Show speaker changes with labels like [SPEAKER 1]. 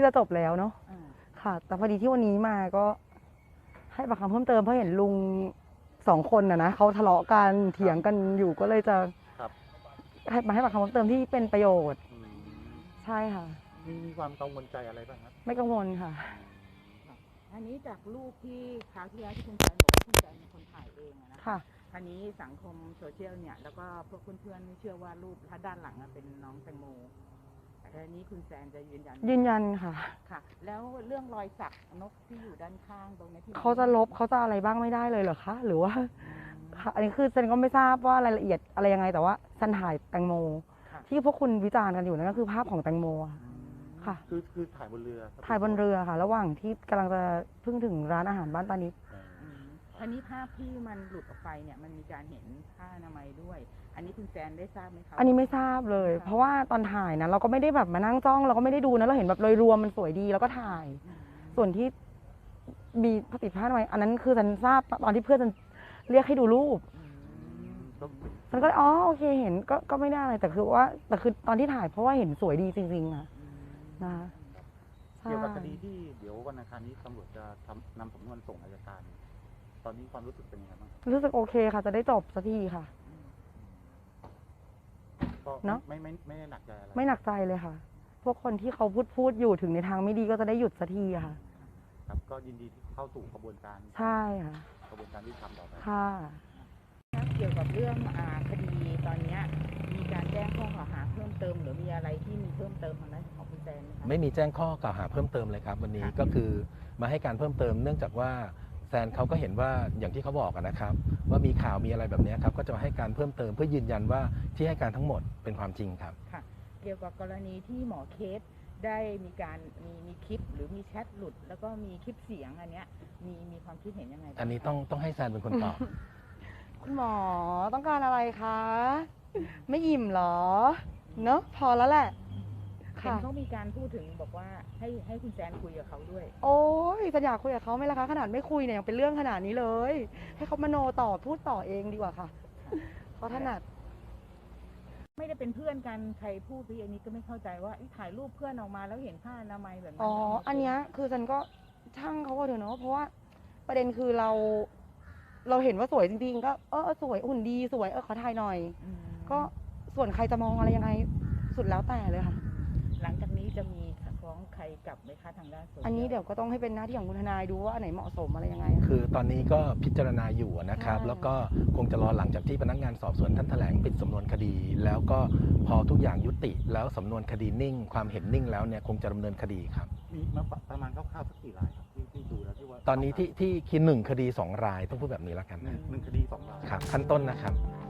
[SPEAKER 1] ที่จะจบแล้วเนาะค่ะแต่พอดีที่วันนี้มาก็ให้ปากคำเพิ่มเติมเพราะเห็นลุง2 คนนะเขาทะเลาะกันเถียงกันอยู่ก็เลยจะให้ปากคำเพิ่มเติมที่เป็นประโยชน์ใช่ค่ะ
[SPEAKER 2] มีความกังวลใจอะไรบ้างครับ
[SPEAKER 1] ไม่กังวลค่ะ
[SPEAKER 3] อันนี้จากรูปที่คราวที่แล้วที่คุณแจนบอกว่าคุณแจนเป็นคนถ่ายเองนะคะอันนี้สังคมโซเชียลเนี่ยแล้วก็พวกเพื่อนๆเชื่อว่ารูปถ้าด้านหลังเป็นน้องแตงโมแต่อันนี้คุณแซนจะยืนยัน
[SPEAKER 1] ค่ะ
[SPEAKER 3] ค่ะแล้วเรื่องรอยสักนกที่อยู่ด้านข้างตรงนี้ที่
[SPEAKER 1] เขาจะลบเขาจะอะไรบ้างไม่ได้เลยเหรอคะหรือว่าอันนี้คือฉันก็ไม่ทราบว่ารายละเอียดอะไรยังไงแต่ว่าฉันถ่ายแตงโมที่พวกคุณวิจารณ์กันอยู่นั่นก็คือภาพของแตงโมค่ะ
[SPEAKER 2] คือถ่ายบนเรือ
[SPEAKER 1] ค่ะระหว่างที่กำลังจะเพิ่งถึงร้านอาหารบ้านตานิด
[SPEAKER 3] อันนี้ภาพที่มันหลุดออกไปเนี่ยมันมีการเห็นผ้าอนามัยด้วยอันนี้คุณแซนได้ทราบไหมคะ
[SPEAKER 1] อันนี้ไม่ทราบเลยเพราะว่าตอนถ่ายนะเราก็ไม่ได้แบบมานั่งจ้องเราก็ไม่ได้ดูนะเราเห็นแบบโดยรวมมันสวยดีแล้วก็ถ่ายส่วนที่มีติดผ้าอนามัยอันนั้นคือฉันทราบตอนที่เพื่อนฉันเรียกให้ดูรูปฉันก็อ๋อโอเคเห็นก็ไม่ได้อะไรแต่คือตอนที่ถ่ายเพราะว่าเห็นสวยดีจริงๆนะ
[SPEAKER 2] เกี่ยวกับคดีที่เดี๋ยววันอังคารนี้ตำรวจจะนำสำนวนส่งอัยการตอนนี้ความรู้สึกเป็นยังไงบ้าง
[SPEAKER 1] รู้สึกโอเคค่ะจะได้จบสักทีค่ะ
[SPEAKER 2] เนาะไม่ได้หนักใจอะไร
[SPEAKER 1] ไม่หนักใจเลยค่ะพวกคนที่เขาพูดอยู่ถึงในทางไม่ดีก็จะได้หยุดสักทีค่ะ
[SPEAKER 2] ครับก็ยินดีที่เข้าสู่กระบวนการ
[SPEAKER 1] ใช่ค่ะ
[SPEAKER 2] กระบวนการที่ทำต่อไป
[SPEAKER 1] ค่ะ
[SPEAKER 3] เกี่ยวกับเรื่องคดีตอนนี้มีการแจ้งข้อกล่าวหาเพิ่มเติมหรือมีอะไรที่มีเพิ่มเติมทางด้านของคุณแซน
[SPEAKER 4] ไม่มีแจ้งข้อกล่าวหาเพิ่มเติมเลยครับวันนี้ก็คือมาให้การเพิ่มเติมเนื่องจากว่าแซนเขาก็เห็นว่าอย่างที่เขาบอกนะครับว่ามีข่าวมีอะไรแบบนี้ครับก็จะมาให้การเพิ่มเติมเพื่อยืนยันว่าที่ให้การทั้งหมดเป็นความจริงครับ
[SPEAKER 3] ค่ะเกี่ยวกับกรณีที่หมอเคสได้มีการมีคลิปหรือมีแชทหลุดแล้วก็มีคลิปเสียงอันเนี้ยมีความคิดเห็นยังไง
[SPEAKER 4] อันนี้ต้องให้แซนเป็นคนตอบ
[SPEAKER 1] คุณหมอต้องการอะไรคะไม่อิ่มหรอเนอะพอแล้วแหละ
[SPEAKER 3] เขามีการพูดถึงบอกว่าให้คุณแซนคุยกับเขาด้วย
[SPEAKER 1] โอ้ยฉันอยากคุยกับเขาไหมล่ะคะขนาดไม่คุยเนี่ยยังเป็นเรื่องขนาดนี้เลยให้เขามโนต่อพูดต่อเองดีกว่าค่ะเขาถนัด
[SPEAKER 3] ไม่ได้เป็นเพื่อนกันใครพูดพี่อันนี้ก็ไม่เข้าใจว่าถ่ายรูปเพื่อนออกมาแล้วเห็นผ้าอนามัยแบบนี้
[SPEAKER 1] อันเนี้ยคือฉันก็ช่างเขาก็เถอะเนาะเพราะว่าประเด็นคือเราเห็นว่าสวยจริงๆก็สวยหุ่นดีสวยขอถ่ายหน่อยก็ส่วนใครจะมองอะไรยังไงสุดแล้วแต่เลยค่ะ
[SPEAKER 3] หลังจากนี้จะมีฟ้องใครกลับไหมคะทางด้าน
[SPEAKER 1] อันนี้เดี๋ยวก็ต้องให้เป็นหน้าที่ของคุณทนายดูว่าอันไหนเหมาะสมอะไรยังไง
[SPEAKER 4] คือตอนนี้ก็พิจารณาอยู่นะครับแล้วก็คงจะรอหลังจากที่พนักงานสอบสวนท่านแถลงปิดสำนวนคดีแล้วก็พอทุกอย่างยุติแล้วสำนวนคดีนิ่งความเห็นนิ่งแล้วเนี่ยคงจะดำเนินคดีครับ
[SPEAKER 2] มีประมาณคร่าวๆสักกี่รายครับที่ดูแล้วที่ว่า
[SPEAKER 4] ตอนนี้ที่คิด1 คดี 2 รายต้องพูดแบบนี้แล้วกันนะ
[SPEAKER 2] 1 คดี 2 ราย
[SPEAKER 4] ครับขั้นต้นนะครับ